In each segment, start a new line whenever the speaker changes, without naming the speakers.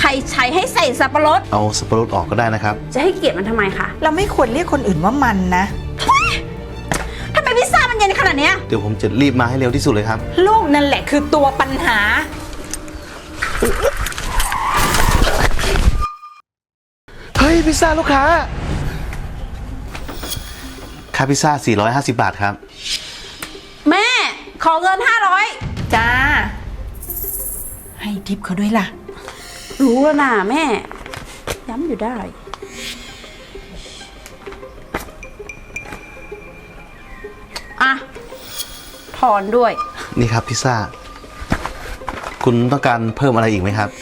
รใช้ให้ใส่สับปะรด
เอาสับปะรดออกก็ได้นะครับ
จะให้เกียรติมันทำไมคะ
เราไม่ควรเรียกคนอื่นว่ามันนะ
ทำไมพิซซ่ามันเย็นขนาดนี้
เดี๋ยวผมจะรีบมาให้เร็วที่สุดเลยครับ
ลูกนั่นแหละคือตัวปัญหา
เฮ้ยพิซซ่าลูกค้าค่าพิซซ่า450 บาทครับ
แม่ขอเงิน500
จ้าให้ทิปเขาด้วยล่ะ
รู้แล้วนะแม่ย้ำอยู่ได้อ่ะถอนด้วย
นี่ครับพิซซ่าคุณต้องการเพิ่มอะไรอีกไหมครับ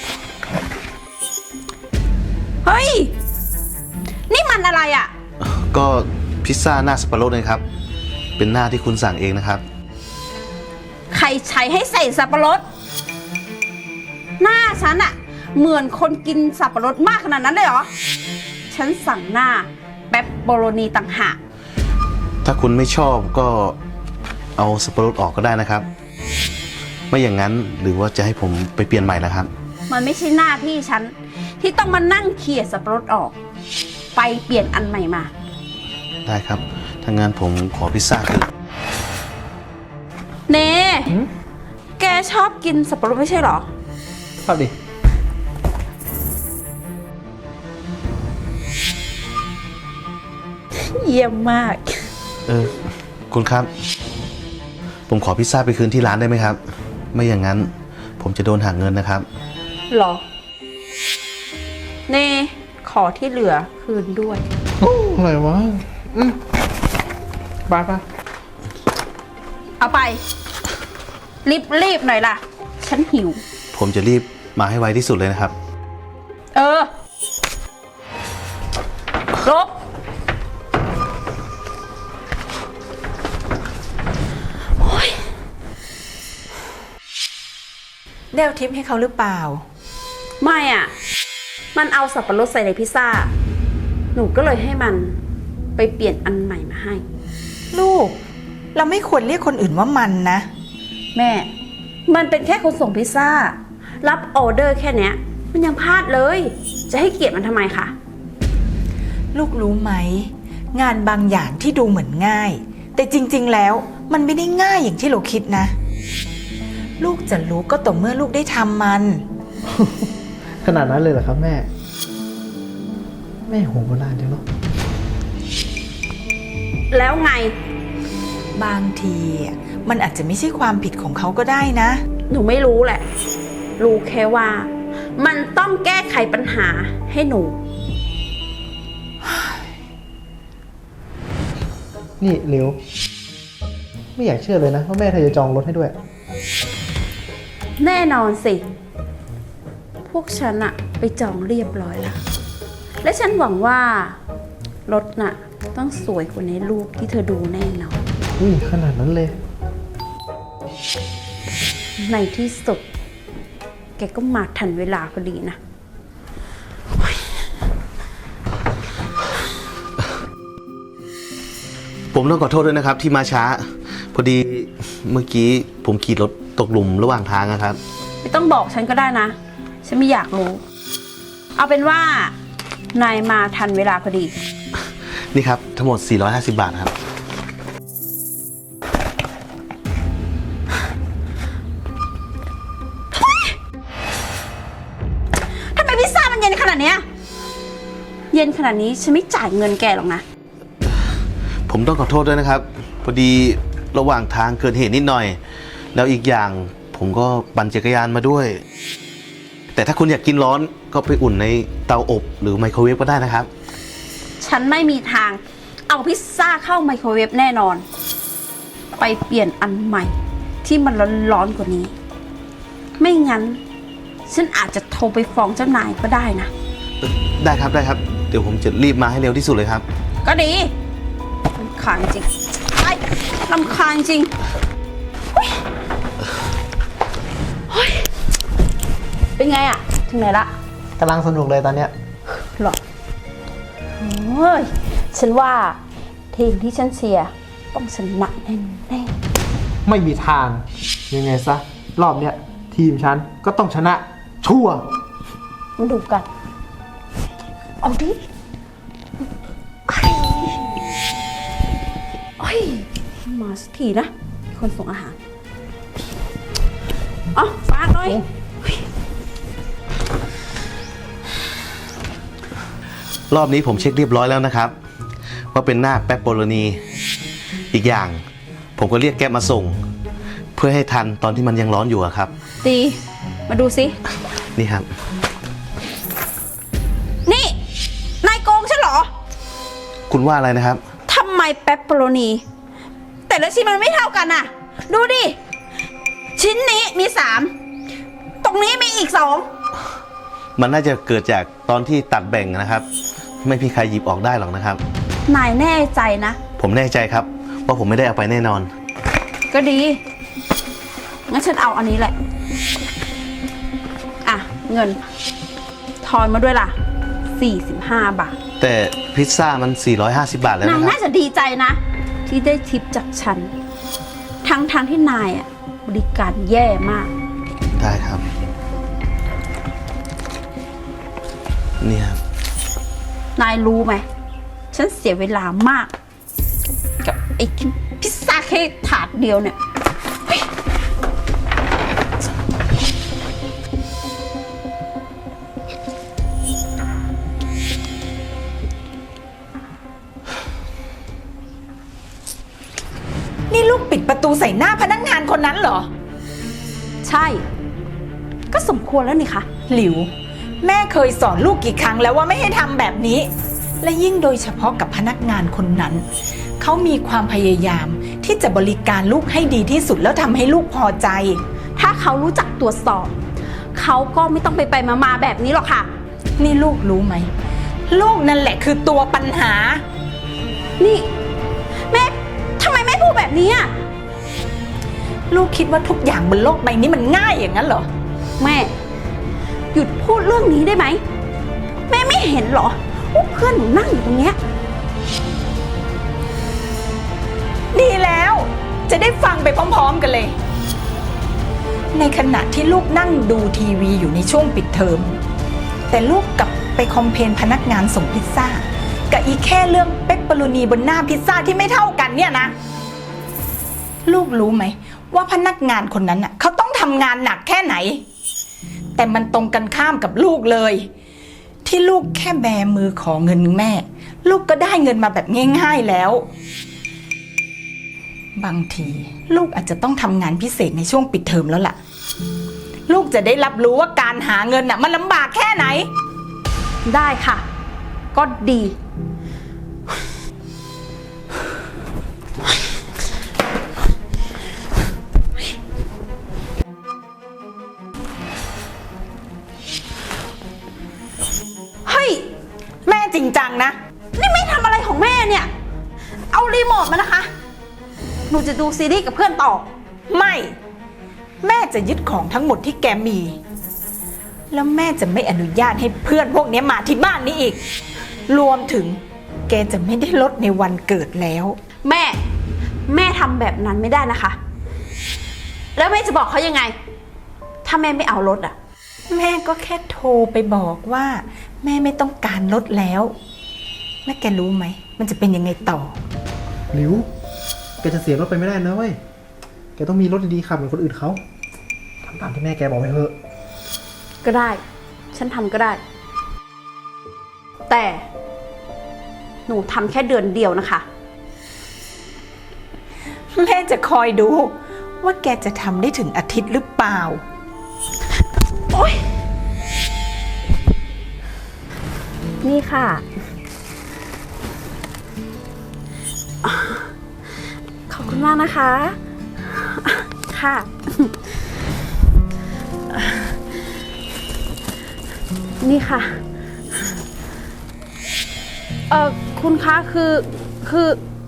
เฮ้ยนี่มันอะไรอ่ะ
ก็พิซซ่าหน้าสับปะรดเลยครับเป็นหน้าที่คุณสั่งเองนะครับ
ใครใช้ให้ใส่สับปะรดหน้าฉันอะเหมือนคนกินสับปะรดมากขนาดนั้นเลยเหรอฉันสั่งหน้าเปปเปอโรนีต่างหาก
ถ้าคุณไม่ชอบก็เอาสับปะรดออกก็ได้นะครับไม่อย่างนั้นหรือว่าจะให้ผมไปเปลี่ยนใหม่นะครับ
มันไม่ใช่หน้าที่ฉันที่ต้องมานั่งเขี่ยสับปะรดออกไปเปลี่ยนอันใหม่มา
ได้ครับถ้างั้นผมขอพิซซ่าคือ
เน่แกชอบกินสับปะรดไม่ใช่หรอ
ชอบดิ
เยี่ยมมาก
คุณครับผมขอพิซซ่าไปคืนที่ร้านได้ไหมครับไม่อย่างนั้นผมจะโดนหักเงินนะครับ
หรอเน่ขอที่เหลือคืนด้วย
อะไรวะไป
เอาไปรีบหน่อยล่ะฉันหิว
ผมจะรีบมาให้ไวที่สุดเลยนะครับ
ลบ
ได้เอาทิปให้เขาหรือเปล่า
ไม่อ่ะมันเอาสับปะรดใส่ในพิซซ่าหนูก็เลยให้มันไปเปลี่ยนอันใหม่มาให้
ลูกเราไม่ควรเรียกคนอื่นว่ามันนะ
แม่มันเป็นแค่คนส่งพิซซ่ารับออเดอร์แค่เนี้ยมันยังพลาดเลยจะให้เกียรติมันทำไมคะ
ลูกรู้ไหมงานบางอย่างที่ดูเหมือนง่ายแต่จริงๆแล้วมันไม่ได้ง่ายอย่างที่เราคิดนะลูกจะรู้ก็ต่อเมื่อลูกได้ทำมัน
ขนาดนั้นเลยเหรอครับแม่โหโบราณจังเนาะ
แล้วไง
บางทีมันอาจจะไม่ใช่ความผิดของเขาก็ได้นะ
หนูไม่รู้แหละรู้แค่ว่ามันต้องแก้ไขปัญหาให้หนู
นี่เหลวไม่อยากเชื่อเลยนะว่าแม่เธอจะจองรถให้ด้วย
แน่นอนสิพวกฉันอะไปจองเรียบร้อยแล้วและฉันหวังว่ารถน่ะต้องสวยกว่าในรูปที่เธอดูแน่นอน
ขนาดนั้นเลย
ในที่สุดแกก็มาทันเวลาพอดีนะ
ผมต้องขอโทษด้วยนะครับที่มาช้าพอดีเมื่อกี้ผมขี่รถตกหลุมระหว่างทางนะครับ
ไม่ต้องบอกฉันก็ได้นะฉันไม่อยากรู้เอาเป็นว่านายมาทันเวลาพอดี
นี่ครับทั้งหมด450 บาทครับ
ทำไมพิซซ่ามันเย็นขนาดนี้เย็นขนาดนี้ฉันไม่จ่ายเงินแกหรอกนะ
ผมต้องขอโทษด้วยนะครับพอดีระหว่างทางเกิดเหตุนิดหน่อยแล้วอีกอย่างผมก็ปั่นจักรยานมาด้วยแต่ถ้าคุณอยากกินร้อนก็ไปอุ่นในเตาอบหรือไมโครเวฟก็ได้นะครับ
ฉันไม่มีทางเอาพิซซ่าเข้าไมโครเวฟแน่นอนไปเปลี่ยนอันใหม่ที่มันร้อนๆกว่านี้ไม่งั้นฉันอาจจะโทรไปฟ้องเจ้านายก็ได้นะ
ได้ครับเดี๋ยวผมจะรีบมาให้เร็วที่สุดเลยครับ
ก็ดีรำคาญจริงรำคาญจริงเป็นไงอะถึงไหนละ
กำลังสนุกเลยตอนเนี้ย
หรอฉันว่าทีมที่ฉันเชียร์ต้องชนะแน่
ไม่มีทางยังไงซะรอบเนี้ยทีมฉันก็ต้องชนะชัวร์
มาดูกัน เอาดิเฮ้ยมาสักทีนะ คนส่งอาหารอ๋อฝากหน่อย
รอบนี้ผมเช็คเรียบร้อยแล้วนะครับ ว่าเป็นหน้าแป๊บโปโลนีอีกอย่างผมก็เรียกแก๊ปมาส่ง เพื่อให้ทันตอนที่มันยังร้อนอยู่อะครับ
ตี มาดูสิ
นี่ครับ
นี่ นายโกงฉันเหรอ
คุณว่าอะไรนะครับ
ทำไมแป๊บโปโลนี แต่ละชิ้นมันไม่เท่ากันน่ะ ดูดิ ชิ้นนี้มี 3 ตรงนี้มีอีก 2
มันน่าจะเกิดจากตอนที่ตัดแบ่งนะครับ ไม่มีใครหยิบออกได้หรอกนะครับ
นายแน่ใจนะ
ผมแน่ใจครับว่าผมไม่ได้เอาไปแน่นอน
ก็ดี งั้นฉันเอาอันนี้แหละ อ่ะ เงิน ทอนมาด้วยล่ะ 45 บาท
แต่พิซซ่ามัน450 บาทแล้ว
นาย
นะครั
น่า
บ
จะดีใจนะ ที่ได้ทิปจากฉัน ทั้งที่นายอ่ะ บริการแย่มาก
ได้ครับ นี่ครับ
นายรู้ไหม ฉันเสียเวลามาก กับไอ้พิซซ่าแค่ถาดเดียวเนี่ยเฮ้ย
นี่ลูกปิดประตูใส่หน้าพนักงานคนนั้นเหรอ
ใช่ ก็สมควรแล้วนี่คะ
หลิว แม่เคยสอนลูกกี่ครั้งแล้วว่าไม่ให้ทำแบบนี้ และยิ่งโดยเฉพาะกับพนักงานคนนั้น เขามีความพยายามที่จะบริการลูกให้ดีที่สุดแล้วทำให้ลูกพอใจ
ถ้าเขารู้จักตรวจสอบ เขาก็ไม่ต้องไปมาแบบนี้หรอกค่ะ
นี่ลูกรู้ไหม ลูกนั่นแหละคือตัวปัญหา
นี่แม่ทำไมแม่พูดแบบนี้อ่ะ
ลูกคิดว่าทุกอย่างบนโลกใบนี้มันง่ายอย่างนั้นเหรอ
แม่ หยุดพูดเรื่องนี้ได้ไหม แม่ไม่เห็นเหรอว่าเพื่อนหนูนั่งอยู่ตรงเนี้ย
ดีแล้วจะได้ฟังไปพร้อมๆกันเลย ในขณะที่ลูกนั่งดูทีวีอยู่ในช่วงปิดเทอมแต่ลูกกลับไปคอมเพลนพนักงานส่งพิซซ่ากับอีแค่เรื่องเปปเปอโรนีบนหน้าพิซซ่าที่ไม่เท่ากันเนี่ยนะ ลูกรู้ไหมว่าพนักงานคนนั้นน่ะเขาต้องทำงานหนักแค่ไหน แต่มันตรงกันข้ามกับลูกเลย ที่ลูกแค่แบมือขอเงินแม่ ลูกก็ได้เงินมาแบบง่ายๆแล้ว บางทีลูกอาจจะต้องทำงานพิเศษในช่วงปิดเทอมแล้วล่ะ ลูกจะได้รับรู้ว่าการหาเงินน่ะมันลำบากแค่ไหน
ได้ค่ะ ก็ดี เฮ้ย
แม่จริงจังนะ
นี่ไม่ทำอะไรของแม่เนี่ย เอารีโมทมานะคะ หนูจะดูซีรีส์กับเพื่อนต่อ
ไม่ แม่จะยึดของทั้งหมดที่แกมี แล้วแม่จะไม่อนุญาตให้เพื่อนพวกนี้มาที่บ้านนี้อีก รวมถึงแกจะไม่ได้ลดในวันเกิดแล้ว
แม่ทำแบบนั้นไม่ได้นะคะ แล้วแม่จะบอกเขายังไง ถ้าแม่ไม่เอารถอ่ะ
แม่ก็แค่โทรไปบอกว่า แม่ไม่ต้องการลดแล้วและแกรู้ไหมมันจะเป็นยังไงต่อ
หลิว แกจะเสียรถไปไม่ได้นะเว้ย แกต้องมีรถดีๆขับเหมือนคนอื่นเขาทำตามที่แม่แกบอกไปเถอะ
ก็ได้ ฉันทำก็ได้ แต่หนูทำแค่เดือนเดียวนะคะ
แม่จะคอยดูว่าแกจะทำได้ถึงอาทิตย์หรือเปล่า
โอ๊ย นี่ค่ะ ขอบคุณมากนะคะ ค่ะ นี่ค่ะ คุณคะคือ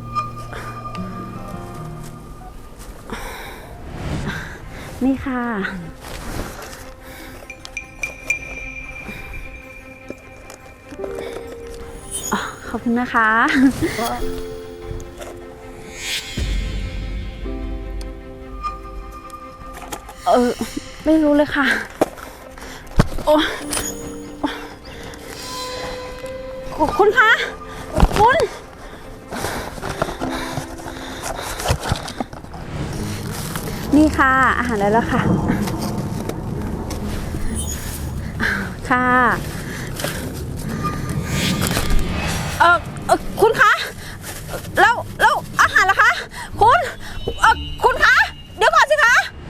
นี่ค่ะ ขอบคุณนะคะ ไม่รู้เลยค่ะ โอ้คุณคะ คุณ นี่ค่ะ อาหารได้แล้วค่ะ ค่ะ คุณคะ แล้วอาหารล่ะคะ คุณคะ เดี๋ยวก่อนสิคะ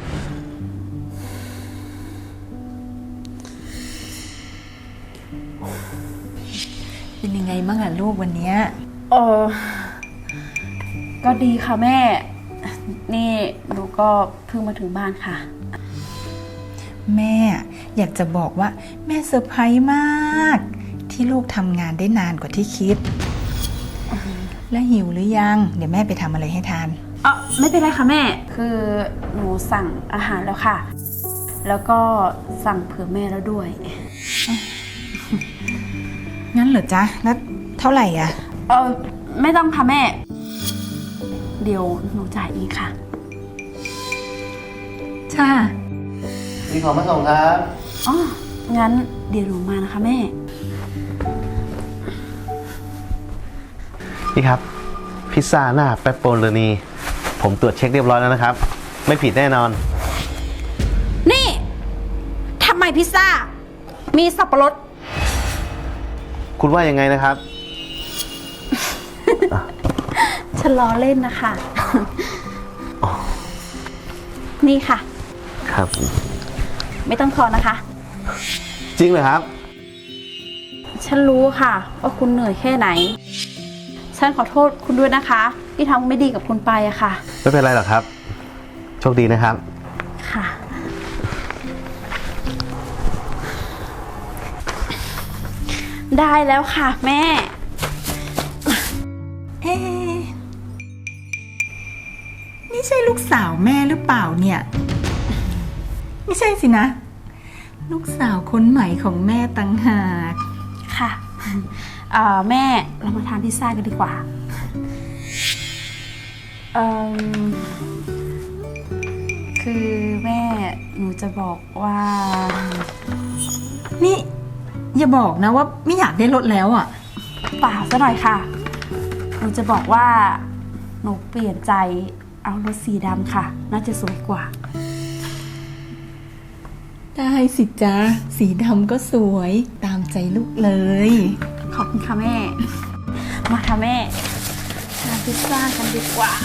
เป็นยังไงบ้างอะลูกวันเนี้ย
เออก็ดีค่ะแม่ นี่หนูก็เพิ่งมาถึงบ้านค่ะ
แม่อยากจะบอกว่าแม่เซอร์ไพรส์มาก ที่ลูกทำงานได้นานกว่าที่คิด และหิวหรือยัง เดี๋ยวแม่ไปทำอะไรให้ทาน
ไม่เป็นไรค่ะแม่ คือหนูสั่งอาหารแล้วค่ะ แล้วก็สั่งเผื่อแม่แล้วด้วย
งั้นเหรอจ๊ะ แล้วเท่าไหร่อะ
ไม่ต้องค่ะแม่ เดี๋ยวหนูจ่ายเองค่ะ
จ้า
มีของมาส่งครับ
อ๋อ งั้นเดี๋ยวหนูมานะคะแม่
นี่ครับ พิซซ่าหน้าเปปโปโรนีผมตรวจเช็คเรียบร้อยแล้วนะครับ ไม่ผิดแน่นอน
นี่ทำไมพิซซ่า มีสับปะรด
คุณว่ายังไงนะครับ
ฉันล้อเล่นนะคะ นี่ค่ะ
ครับ
ไม่ต้องทอนนะคะ
จริงเหรอครับ
ฉันรู้ค่ะว่าคุณเหนื่อยแค่ไหน ฉันขอโทษคุณด้วยนะคะ ที่ทำไม่ดีกับคุณไปอะค่ะ
ไม่เป็นไรหรอกครับ โชคดีนะครับ
ค่ะ ได้แล้วค่ะแม่
เอ๊ะนี่ใช่ลูกสาวแม่หรือเปล่าเนี่ย ไม่ใช่สินะ ลูกสาวคนใหม่ของแม่ต่างหาก
ค่ะแม่เรามาทานพิซซ่ากันดีกว่าคือแม่หนูจะบอกว่า
นี่อย่าบอกนะว่าไม่อยากได้รถแล้วอ่ะ
เปล่าซะหน่อยค่ะ หนูจะบอกว่าหนูเปลี่ยนใจเอารถสีดำค่ะ น่าจะสวยกว่า
ได้สิจ๊ะ สีดำก็สวยตามใจลูกเลย
ขอบคุณค่ะแม่ มาค่ะแม่ทานพิซซ่ากันดีกว่า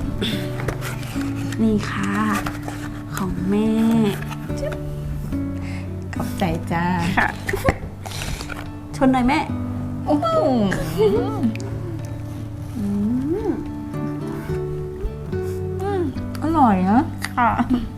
นี่ค่ะ ของแม่
ขอบใจจ้า
ค่ะ ชนหน่อยแม่
โอ้โหอร่อยนะ
ค่ะ